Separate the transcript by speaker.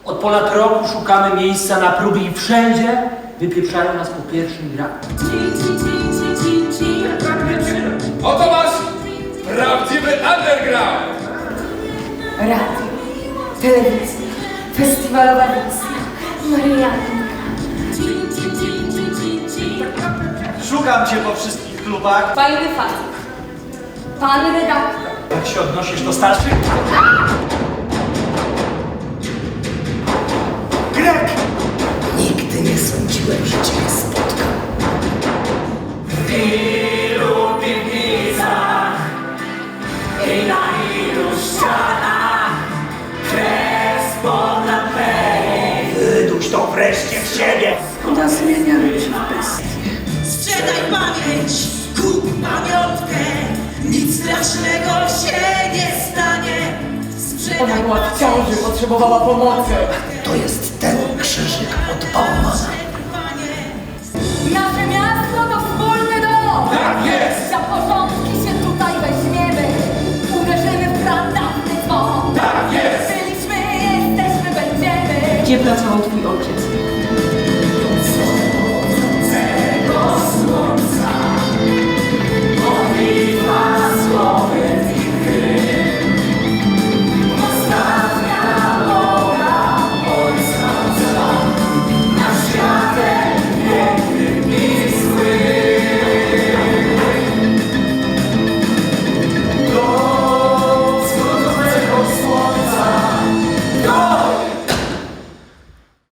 Speaker 1: Od ponad roku szukamy miejsca na próby i wszędzie wypieprzają nas po pierwszym braku.
Speaker 2: Oto wasz prawdziwy underground!
Speaker 3: Radio, telewizja, festiwalowa wizja, Marianka.
Speaker 4: Szukam cię po wszystkich klubach.
Speaker 3: Fajny facet. Pan redaktor.
Speaker 4: Jak się odnosisz do starszych? Grek!
Speaker 5: Nigdy nie sądziłem, że cię spotkam.
Speaker 6: W ilu piwnicach i na ilu ścianach kres pod lamperii.
Speaker 4: Wyduś to wreszcie z siebie!
Speaker 5: Ona zmienia ludzi w bestie.
Speaker 6: Sprzedaj pamięć, kup pamiątkę, nic strasznego się nie stanie.
Speaker 3: Ona była w ciąży, potrzebowała pomocy.
Speaker 5: To jest ten krzyżyk od Baumana.
Speaker 3: Nasze miasto to wspólny dom.
Speaker 2: Tak jest!
Speaker 3: Za porządki się tutaj weźmiemy. Uderzymy w pradawny dzwon.
Speaker 2: Tak jest!
Speaker 3: Byliśmy, jesteśmy, będziemy.
Speaker 7: Gdzie pracował twój